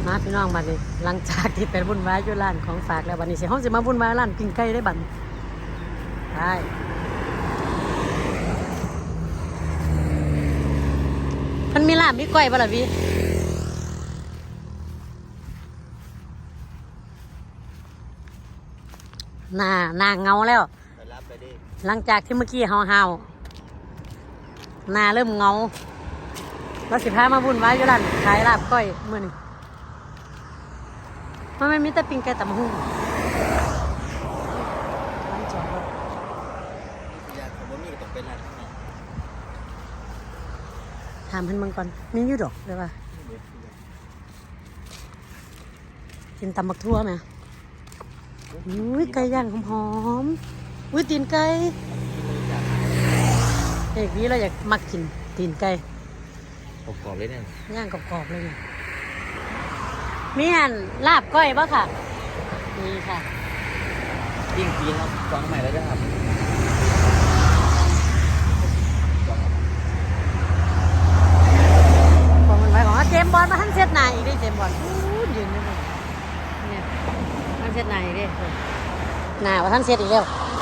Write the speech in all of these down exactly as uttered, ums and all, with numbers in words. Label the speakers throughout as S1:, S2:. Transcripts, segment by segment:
S1: มาพี่น้องบัดนี้หลังจากที่เป็นวุ่นวายอยู่ร้านของฝากแล้วบัดนี้เสียห้องจะมาวุ่นวายร้านปิ้งไก่ได้บัดได้มันมีลาบมีก้อยบ่ล่ะพี่หน้าหน้าเงาแล้วหลังจากที่เมื่อกี้เฮาเฮาหน้าเริ่มเงาแล้วสิพามาวุ่นวายอยู่ร้านขายลาบก้อยมื้อนี้มันไม่มีแต่ปิ้งไก่ตำหุ่งถามเพิ่นเบิ่งก่อนมีอยู่ดอกเลยว่ากินตำบักทั่วไหมอุ้ยไก่ย่างหอมๆอุ้ยตีนไก่เด็กนี้เราอยากมักกินตีนไก่
S2: กรอบๆเลยเนี่ย
S1: ย่างกรอบๆเลยเนี่ยมีอันลาบก้อยป่ะค่ะนี่ค่ะ
S2: ยิ่งปีนครับฟังใหม่แล้วจะครับ
S1: บอกมันไว้ของเจมบอลมาทั้งเซตนายอีกดิเจมบอลยืนอยู่เนี่ยทั้งเซตนายอีกดิหนาว่าทั้งเซตอีกแล้ว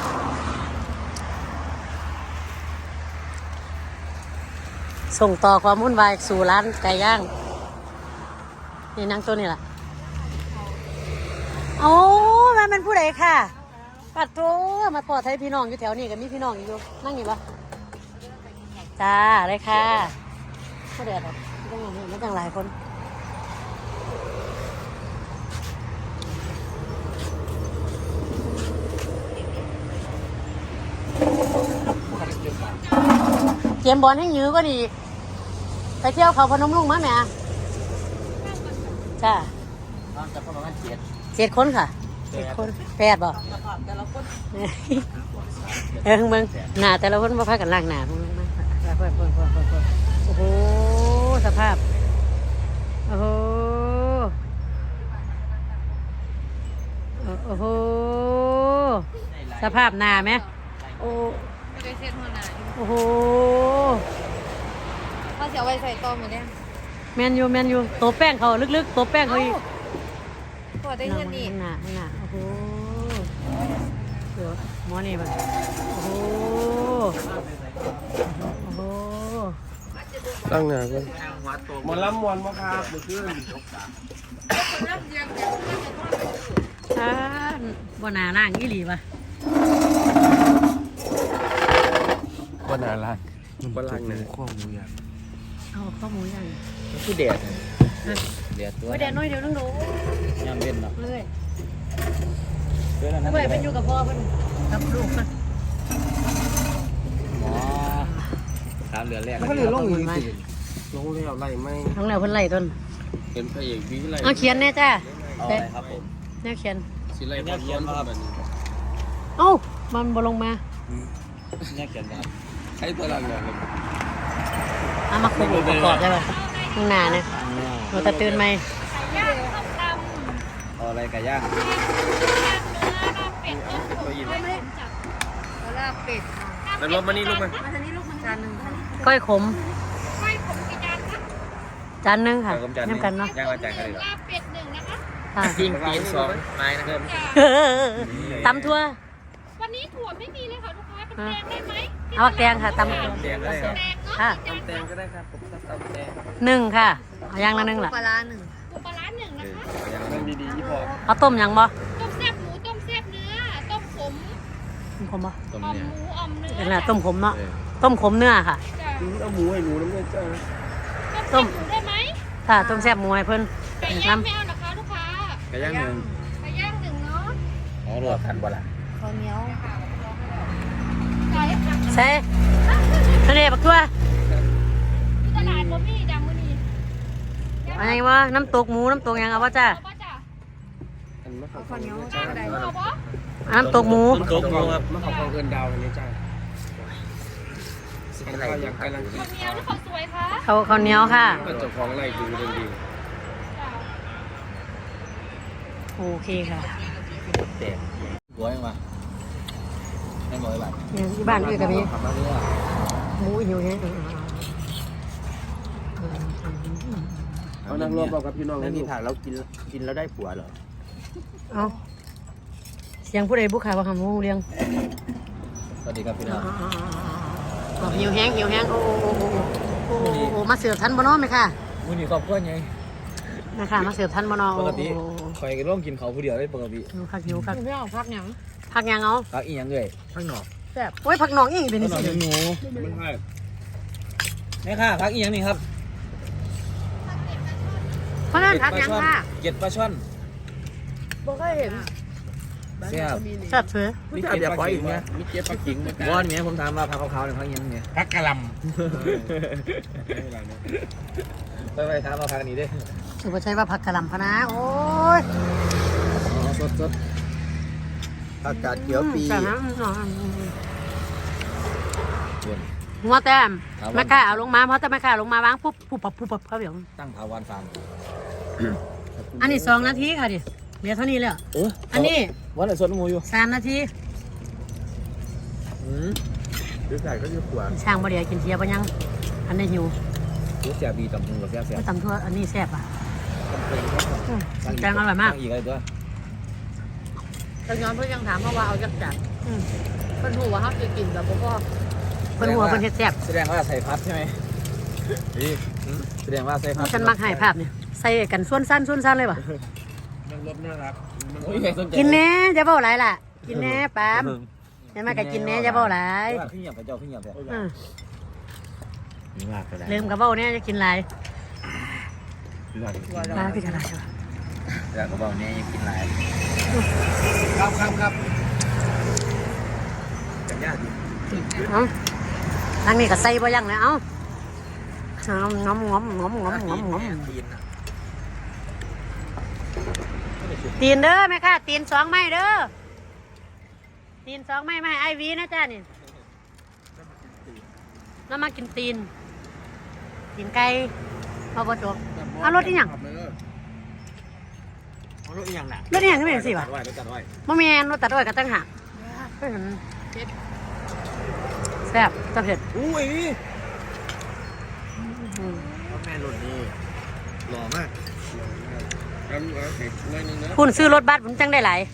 S1: ส่งต่อความวุ่นวายสู่ร้านไก่ย่างนี่นั่งตัวนี่แหละโอ้มันเป็นผู้ใดค่ะปัดโถมาปอดไทยพี่น้องอยู่แถวนี้กับมีพี่น้องอยู่นั่งอยู่ปะจ้าเลยค่ะไม่เดือดหรอกไม่ต้องอย่างนี้ไม่ต้องหลายคนเกมบอลให้ยื้อก็ดีไปเที่ยวเขาพนมลุงมั้ยแม่จ้า
S2: จะประมาณเจ็ด
S1: เจ็ดคนค่ะเจ็ดคนแปดบ่เออมึงหน้าแต่ละคนมาพักกันล่างหน้ามึงมาเพิ่มเพิ่มเพิ่มเพิ่มเพิ่มโอ้โหสภาพโอ้โหโอ้โหสภาพหน้าไหมโอ้
S3: ไม่ได้เซ็ตหัวหน้า
S1: โอ้โห
S3: ถ้าเสียไว้ใส่ต้มมาเนี่ย
S1: แมนยูแมนยูตัวแป้งเขาลึกๆตัวแป้งเขาอีก
S3: พอได้เงินนี่
S1: หน้าหน้าโอ้โหเดี๋ยวหมอนี่บ้างโอ้โหโอ้โห
S4: ตั้งหน้ากันมวนล้ำมวนมาครับเมื่อคืน
S1: อ่าบ่หน้าล่างอีหลีป่ะ
S4: บ่หน้าล่างบ่ล่างเนี่ยข้อมูลอย่าง
S1: เอาข้อมูลอย่าง
S2: คือแดดแดดตัว
S1: ไม่แดดน้อยเดี๋ยวนึงดู
S2: ยามเย็นเนาะ
S1: เลยเมื่อเป็นอยู่กับพ่อเพิ่นกับลูกมัน
S2: หมอสามเดือนแรก
S4: ก็เลยลงอีกลงแล้วไล่ไม่
S1: ลงแล้วเพิ่นไล่ต้น
S4: เป็นพระเอกวิไล
S1: เอาเขียนแน่จ้า
S2: เอาอะไรครับผม
S1: แน่เขียน
S4: สิไล่บอลย้อนครับ
S1: เอ้ามันบ่ลงมา
S2: แน่เขียนครับ
S4: ใช้ตัวหลังเนี่ย
S1: เอามาคุมประกอบได้ป่ะข้างหน้าเนี่ยหนูตะตื่นไหม
S2: เอาอะไรไก่ย่าง
S3: ก็ยินลาบเป็ด
S4: แล้วลบมานี่ลูกมัน
S3: จานหนึ่ง
S1: ก้อยขม
S3: ก้อยขมกี่จานคะ
S1: จานนึงค่ะน้ำกันเนาะ
S2: ย่างมาจานกันเลยเหรอ
S3: ลาบเป็ดหนึ่งนะคะ
S2: ปิ้งปีนสองไม้นะครับ
S1: ตำทั่ว
S3: วันนี้ถั่วไม่มีเลยค่ะลูกค้าเป็นแดงได้ไหม
S1: เอาแกงค่ะตำ
S2: แดงก็ได้ครับ
S1: ค่ะ
S4: ตำแตงก็ได้ครับผมตำแตง
S1: หนึ่งค่ะเอาย่างละหนึ่งล่ะ
S3: ปลาหนึ่งปลาหนึ่งนะคะ
S4: อย่างนั้นดีๆพอ
S1: เอาต้มยังบ่
S3: ต้มแซ่บหมูต้มแซ่บเนื้อต้มขม
S1: ต้มขมบ่
S2: ต้ม
S3: เนื้อหมูอมเนื้อ
S1: เป็นไรต้มขมเนาะต้มขมเนื้อค่ะ
S4: เอาหมูให้หนูน้ำเงินจ้า
S3: ต้มหมูได้ไหม
S1: ค่ะต้มแซ่บหมูให้เพิ่น
S3: ไก่ย่างไม่เอานะคะลูกค้า
S2: ไก่ย่างหนึ่ง
S3: ไก่ย่างหนึ่งเนาะ
S2: อ๋อรวมกันบ่ล่ะ
S3: ข้าวเหนียว
S1: ใช่ทะเลบักทั่ว
S3: ตลาดบ่มีดังมื้อนี้
S1: อะไรวะน้ำตกหมูน้ำตกยังเอาวะจ้า
S3: ข้าวเหนียวจ้าได้บ่
S1: น้ำตกหมู
S4: น้ำตกหมูครับมะขามเกินดาวนี้จ้าข้าวอยากกำลังกิน
S3: ข้าวเหนียวหรือข้าวสวยคะ
S1: ข้าวข้าวเหนียวค่ะ
S4: ก็เจ้าของไร่ดูดีดี
S1: โอเคค่ะ
S2: แดงหัวยังมาไม่หมดเลยบ้าน
S1: เนี่ยที่บ้านด้วยกับพี่หมูหิวเนี่ย
S4: เอานั่งรวมบอกกับพี่น้อง
S2: แล้วมีผักแล้วกินกินแล้วได้ผัวเหรอ
S1: เอาเสียงผู้ใดบุกขาว่าคำหูเรียง
S2: สวัสดีครับพี่น้อง
S1: อ๋อหิวแห้งหิวแห้งโอ้โอ้โอ้โอ้โอ้โอ้มาเสิร์ฟทันบ่เนาะไหมค่ะ
S2: มื้อนี้ครอบครัวไง
S1: นะคะมาเสิร์ฟทันบ่เนาะ
S2: ปกติคอยร่วมกินเขาผู้เดียวได้ปกติ
S1: หิวคักหิวคัก
S3: ไม่เอาพักหยัง
S1: ผักยังเอา
S2: ผักอีหยังเลยผักหนอก
S3: แซ่บ
S1: โอ้ยผักหนองอีกเป็น
S2: ผักหนอก
S1: สิ
S2: หนู
S4: ไม่ใช่
S2: นี่ค่ะผักอีหยังนี่ครับ
S1: เพราะนั่นผักยังค่ะ
S2: เก็ดปลาช่อน
S3: บ่เคยเห็น
S2: แซ่บ
S1: แซ่บเสือ
S2: มีเก็ดปลาอีกไหม
S4: มีเก็บปลาขิงเหมือนกัน
S2: วอนเนี้ยผมถามว่าผักขาวๆเนี่ยผักอีหยังเนี่ย
S4: พักกะหล่
S2: ไปไปถามว่าผักอันนี้เด้
S1: สุภาชัยว่าผักกะหล่ำพะนะโอ้ย
S2: อ๋อสดสดผักกาดเขียวปี
S1: แต่นะ
S2: ส่วน
S1: หัวแต้ม
S2: ครับ
S1: แม่ค้าเอาลงมาเพราะแต่แม่ค้าลงมาวางปุ๊บปุ๊บปับปุ๊บปับเขาเดี๋ยว
S2: ตั้งถาวรฟาร์ม
S1: อันนี้สองนาทีค่ะดิเหลือเท่านี้แล้ว
S2: เออ
S1: อันนี้
S2: วันไหนสดหมูอยู่
S1: สามนาที
S2: อืม
S4: ำหรือใส่ก็จะขวาน
S1: ช่างบ่เดียวกินเทียบยังอันนี้หิว
S2: รู้เสียบีกับมึงกับแซ่บแซ่บ
S1: ไม่ตำทั่วอันนี้แซ่บอ่ะอืมแกงอร่อยมาก
S2: ตั้งอีกอะไรตัว
S3: แต่ย้อนเพื่อนยังถามเพราะว่าเอาจักจัด
S1: อืม
S3: เพิ่นหูว่าเขาจะกินแบบบ่พอ
S1: เพิ่นหัวเพิ่นเฮ็ดแซ่บ
S2: แสดงว่าใส่พัดใช่ไหมนี่แสดงว่าใส่พัด
S1: ฉันมักให้ภาพเนี่ยใส่กันส่วนสั้นส่วนสั้นเลยป่ะ
S4: นั่งรถน่ารัก
S2: โอ้ยใครสนใจ
S1: กินแน่จะเบ้าหลายล่ะ กินแน่ปามเห็นไหมก็กินแน่จะเบ้าหลาย
S2: ขึ้นหยับไปเจ้าขึ้นหยับเลย
S1: อืม
S2: มีมากก็ได้
S1: ลืมกับเบ้าเนี่ยจะกินหลาย
S2: มีมาก
S1: หลายคือจะหลาย
S2: แต่กระบอกนี้ยังกินหลาย
S4: ครับครับครับ
S2: กันยากดิ
S1: เอ้าทางนี้ก็ใส่บ่ยังเลยเอ้าง้อมง้อมง้อมง้อมง้อมง้อม
S2: ตีนนะ
S1: ตีนเด้อแม่ค่ะตีนสองไม้เด้อตีนสองไม้ไม่ให้ไอวีนะจ้านี่แล้วมากินตีนตีนไก่พอประจบเอารถอีหยัง
S2: เอารถอีหยังน่ะ
S1: รถอีหยังก็เป็นสิวะ
S2: ตัดไว้ตัดไว้
S1: มะแมนรถตัดอ้อยก็ตั้งหักเพิ่นแซ่บตะเผ็ด
S2: อุ้ย
S1: อืม
S2: แม่รถนี่หล่อมาก
S4: เอาเอาเผ็ดหน่อยนึงนะ
S1: คุณซื้อรถบัสผมจังได้หลาย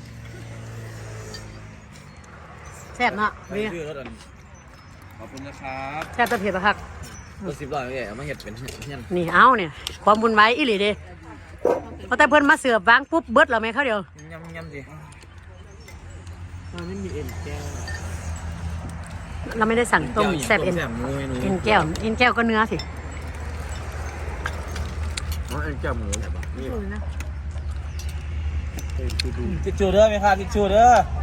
S1: แซ่บเนาะ
S2: ใคร
S1: นี่
S2: ซื้อรถอัน
S4: ขอบคุณนะครับ
S1: แซ่บตะเผ็ดปะครับ
S2: รถสิบล้อนี่เอามาเห็ดเป็นเงี้ย
S1: นี่เอาเนี่ยความบุญไว้อีหลีเด้เพราะแต่เพิ่นมาเสือบวางปุ๊บเบิดแล้วแม่เขาเดียวย
S2: ำยำสิ
S4: มันไม่มีเอ็นแก้ว
S1: เราไม่ได้สั่งต้มแซ่บเอ็น
S2: แซ่บหมูเมนู
S1: เอ็นแก้วเอ็นแก้วก็เนื้อสิ
S2: อ๋อเอ็นแก้วหมู
S4: นี่
S2: ทิชชู่เด้อไหมครับทิชชู่เด้อ